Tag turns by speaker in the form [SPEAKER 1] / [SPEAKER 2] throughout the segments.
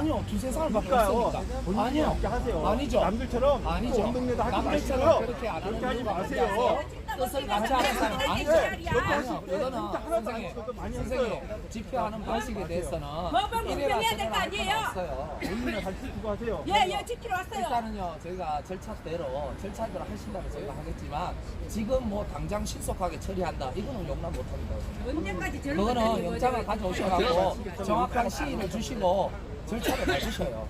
[SPEAKER 1] 아니요, 두세 살밖에
[SPEAKER 2] 그러니까요.
[SPEAKER 1] 없으니까.
[SPEAKER 2] 본인이
[SPEAKER 1] 아니요,
[SPEAKER 2] 함께 하세요.
[SPEAKER 1] 아니죠.
[SPEAKER 2] 남들처럼
[SPEAKER 1] 아니죠.
[SPEAKER 2] 운동료도 하지
[SPEAKER 1] 남들처럼
[SPEAKER 2] 마시고요.
[SPEAKER 1] 그렇게 안 하는
[SPEAKER 2] 그렇게 하지
[SPEAKER 1] 이유가
[SPEAKER 2] 마세요.
[SPEAKER 1] 뭔지 아세요? 뜻을 같이 하는 사람 아니죠. 아니요, 이거는 선생님, 선생님 집회하는 방식에 대해서는
[SPEAKER 3] 법은 공평해야 될 거 아니에요?
[SPEAKER 1] 없어요.
[SPEAKER 2] 본인이 잘 지키고 하세요.
[SPEAKER 3] 예, 지키러 왔어요.
[SPEAKER 1] 일단은요, 저희가 절차대로 하신다고 저희가 하겠지만 지금 뭐 당장 신속하게 처리한다 이거는 용납 못합니다.
[SPEAKER 3] 언제까지 저런
[SPEAKER 1] 그거는 영장을 가져오셔가지고 정확한 시인을 주시고 절차를 밟으셔요.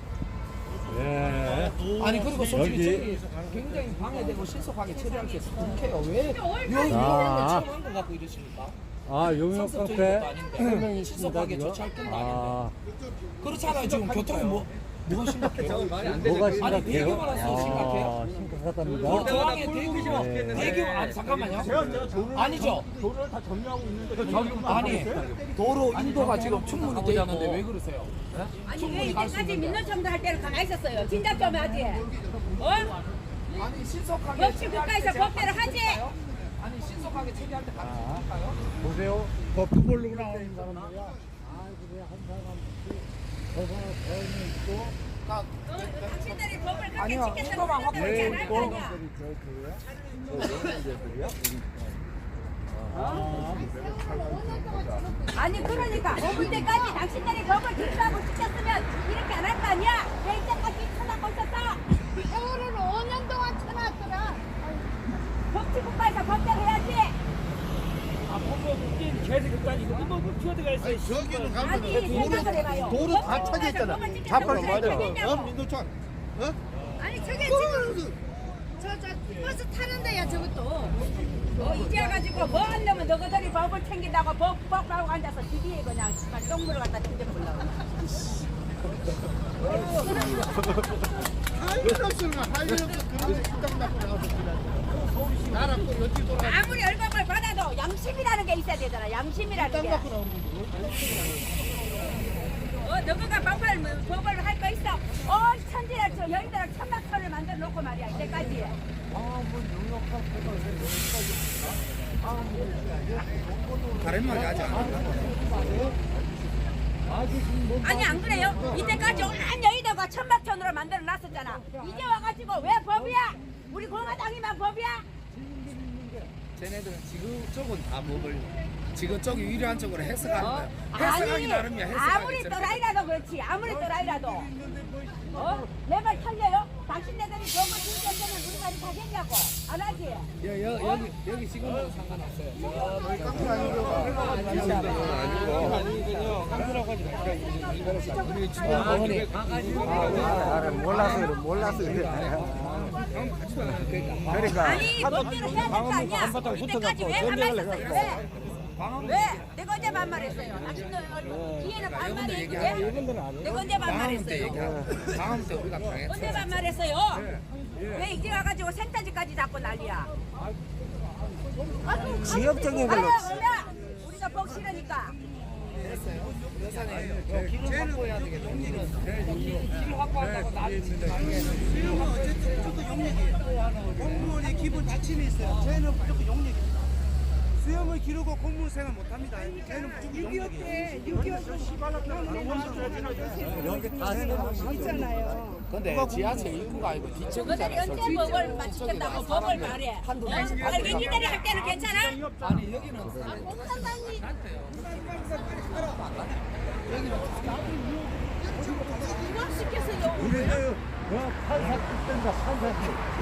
[SPEAKER 4] 예.
[SPEAKER 1] 아니 그리고 솔직히
[SPEAKER 4] 여기.
[SPEAKER 1] 저기 굉장히 방해되고 신속하게 처리할 수 있어서 그렇게요. 왜 이런
[SPEAKER 4] 아.
[SPEAKER 1] 처음 한거 갖고 이러십니까?
[SPEAKER 4] 아, 용역
[SPEAKER 1] 상습적인
[SPEAKER 4] 카페
[SPEAKER 1] 것도 아닌데
[SPEAKER 4] 한 명이 있습니다,
[SPEAKER 1] 신속하게
[SPEAKER 4] 지금.
[SPEAKER 1] 조치할 건
[SPEAKER 4] 아,
[SPEAKER 1] 그렇잖아요. 지금 교통이 뭐가 심각해요?
[SPEAKER 4] 뭐가 심각해요?
[SPEAKER 1] 아니 대교만 왔어요. 심각해요?
[SPEAKER 4] 심각하답니다.
[SPEAKER 1] 도항에 대교 대교 아니 잠깐만요.
[SPEAKER 2] 제가 도로를
[SPEAKER 1] 아니죠.
[SPEAKER 2] 도로를 다 점유하고 있는데
[SPEAKER 1] 아니 도로 인도가 지금 충분히 돼 있는데 왜 그러세요?
[SPEAKER 3] 아니 왜 이때까지 민노총도 할 때는 가만히 있었어요? 진작 좀 하지. 어?
[SPEAKER 1] 아니 신속하게
[SPEAKER 3] 법치 국가에서 법대로 하지.
[SPEAKER 1] 아니 신속하게 처리할 때 같이 할까요?
[SPEAKER 4] 보세요. 버프 모르고 나오는 사람들이야. 아이고, 왜한 사람 저거 배우는 있고,
[SPEAKER 3] 당신들이 법을 그렇게
[SPEAKER 1] 아니요,
[SPEAKER 3] 지켜서
[SPEAKER 1] 이거만
[SPEAKER 3] 그런다고
[SPEAKER 4] 왜
[SPEAKER 3] 잘할 거
[SPEAKER 4] 있고,
[SPEAKER 3] 아니야. 아니 그러니까 이때까지 당신들이 법을 지키라고 지켰으면 이렇게 안 할 거 아니야? 왜 이때까지 쳐다보고 있었어?
[SPEAKER 5] 세월을 5년 동안 쳐놨더라.
[SPEAKER 3] 법치국가에서 법대로 해야지.
[SPEAKER 6] 저기는
[SPEAKER 3] 아니 생각을 해봐요.
[SPEAKER 6] 도로 다 차져 있잖아.
[SPEAKER 3] 자판기
[SPEAKER 6] 민노총. 어?
[SPEAKER 5] 아니 저게 지금 저 버스 타는 데야 저것도.
[SPEAKER 3] 이제 와가지고 뭐 안 되면 너희들이 법을 챙긴다고 법하고 앉아서 뒤에 그냥 정말 똥물을 갖다 튕겨보려고.
[SPEAKER 6] 하이러스가 하이러스 그런 식당 갖고 나와서 나라 또 여기 돌아.
[SPEAKER 3] 아무리 얼마를 받아도 양심이라는 게 있어야 되잖아. 양심이라는 게. 너희가 법을 할 거 있어. 천지를 저 여의도를 천막터를 만들어 놓고 말이야 이때까지.
[SPEAKER 6] 다른 말이 하지 않아.
[SPEAKER 3] 아니 안 그래요? 이때까지 온 여의도가 천막천으로 만들어 놨었잖아. 이제 와가지고 왜 법이야? 우리 공화당이만 법이야?
[SPEAKER 1] 쟤네들은 지그쪽은 다 법을 지그쪽이 유리한 쪽으로 해석하는 거야.
[SPEAKER 3] 아니
[SPEAKER 1] 해석하기 나름이야.
[SPEAKER 3] 아무리 또라이라도 그렇지. 아무리 또라이라도 내 말 틀려요? 당신네들이 법을 지켰으면 우리 말이 가겠냐고. 안 하지?
[SPEAKER 1] 여기 지금은 상관없어요.
[SPEAKER 4] 몰라서 그래. 그러니까.
[SPEAKER 3] 아니 법대로 해야 될 거 아니야. 이때까지 왜 반말했었어요? 왜? 내가 언제 반말했어요? 당신들 뒤에는 반말했는데 내가 언제 반말했어요?
[SPEAKER 1] 다음 때 우리가 당했어.
[SPEAKER 3] 언제 반말했어요? 왜 이제 와가지고 센터지까지 잡고 난리야?
[SPEAKER 4] 지역적인
[SPEAKER 3] 걸로.
[SPEAKER 4] 걸로.
[SPEAKER 3] 우리가 복 싫으니까.
[SPEAKER 1] 여사님, 길을 확보해야 되겠네. 길 확보한다고 나중에
[SPEAKER 6] 어쨌든 무조건 용역이에요. 공무원의 기본 지침이 있어요. 저희는 무조건 용역입니다. 수염을 기르고 공무원 생활 못합니다. 저희는 무조건 용역이에요.
[SPEAKER 4] 여기 다
[SPEAKER 5] 있잖아요.
[SPEAKER 1] 근데 지하철 입구가 아니고
[SPEAKER 3] 너희들이
[SPEAKER 1] 뒤쪽이잖아요.
[SPEAKER 3] 언제 법을 맞추겠다고 법을 말해? 알겠니들이 할 때는 괜찮아?
[SPEAKER 1] 아니 여기는
[SPEAKER 4] 우리는 판사 뜻된다, 판사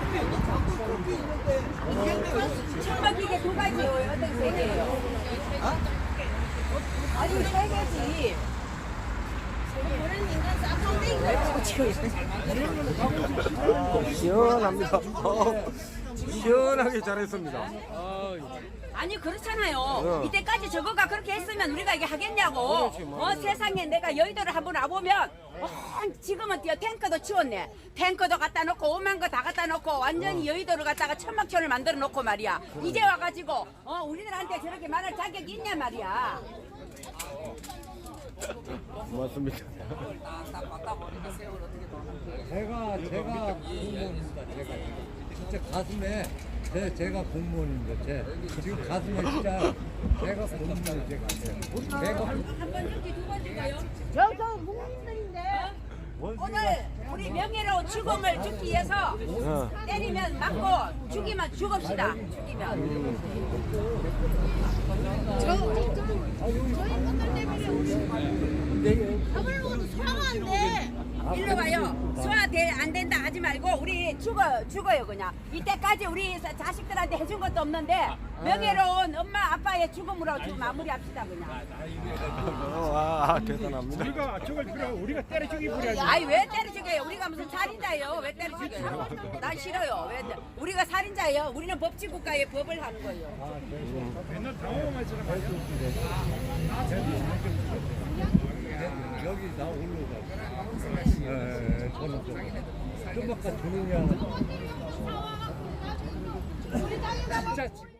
[SPEAKER 3] 천막기계 두 가지예요. 어떤 세 개예요? 아니 세 개지.
[SPEAKER 4] 시원합니다. 시원하게 잘했습니다.
[SPEAKER 3] 아니 그렇잖아요. 이때까지 저거가 그렇게 했으면 우리가 이게 하겠냐고. 세상에 내가 여의도를 한번 와보면 지금은 탱크도 치웠네. 탱크도 갖다 놓고 오만 거 다 갖다 놓고 완전히 여의도를 갖다가 천막천을 만들어 놓고 말이야. 이제 와가지고 우리들한테 저렇게 말할 자격이 있냐 말이야.
[SPEAKER 4] 고맙습니다. 제가 공무원입니다. 진짜 가슴에 제가 공무원입니다. 지금 가슴에 진짜 제가 공무원이 제가
[SPEAKER 3] 한 번 줄지 두 번 줄까요?
[SPEAKER 5] 저 국민들인데.
[SPEAKER 3] 오늘 우리 명예로운 죽음을 죽기 위해서 때리면 맞고 죽이면 죽읍시다. 죽이면.
[SPEAKER 5] 저희 분들 때문에 우리 밥을 먹어도 소화가 안 돼.
[SPEAKER 3] 일로 와요. 소화 안 된다 하지 말고 우리 죽어요 그냥. 이때까지 우리 자식들한테 해준 것도 없는데 명예로운 엄마 아빠의 죽음으로 지금 마무리합시다 그냥.
[SPEAKER 7] 대단합니다.
[SPEAKER 2] 우리가 저걸 필요하고 우리가 때려 죽이 부려야지.
[SPEAKER 3] 아이 왜 때려 죽여요? 우리가 무슨 살인자예요? 왜 때려 죽여요? 난 싫어요. 왜 우리가 살인자예요? 우리는 법치 국가의 법을 하는 거예요.
[SPEAKER 2] 맨날 당황만 지나 가요.
[SPEAKER 4] 여기 나 올라가. 저는 좀 아까 주느냐.
[SPEAKER 5] 우리 땅에다가